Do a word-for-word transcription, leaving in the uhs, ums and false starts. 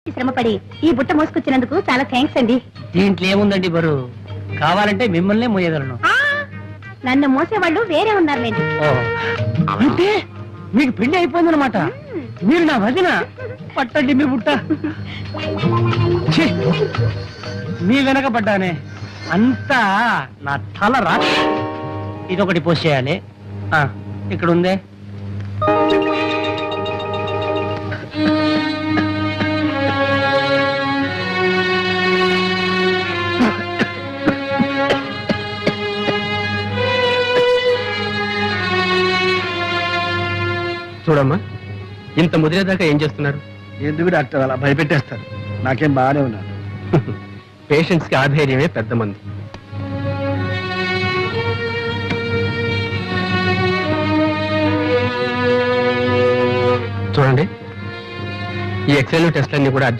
శ్రమపడి ఈ బుట్ట మోసుకొచ్చినందుకు చాలా థ్యాంక్స్ అండి. దీంట్లో ఏముందండి బరు, కావాలంటే మిమ్మల్నే మోయగలను. నన్ను మోసేవాళ్ళు వేరే ఉన్నారులేండి. అంటే మీకు పెళ్లి అయిపోయిందనమాట. మీరు నా వదిన. పట్టండి మీ బుట్ట. ఛీ, మీ వెనక పడ్డానే అంతా నా తల రా. ఇదొకటి పోస్ట్ చేయాలి. ఇక్కడ ఉందే. చూడమ్మా, ఇంత ముదిరేదాకా ఏం చేస్తున్నారు? ఎందుకు డాక్టర్ అలా భయపెట్టేస్తారు? నాకేం బాగానే ఉన్నాను. పేషెంట్స్ కి ఆధైర్యమే పెద్ద మంది. చూడండి, ఈ ఎక్స్రే టెస్ట్లన్నీ కూడా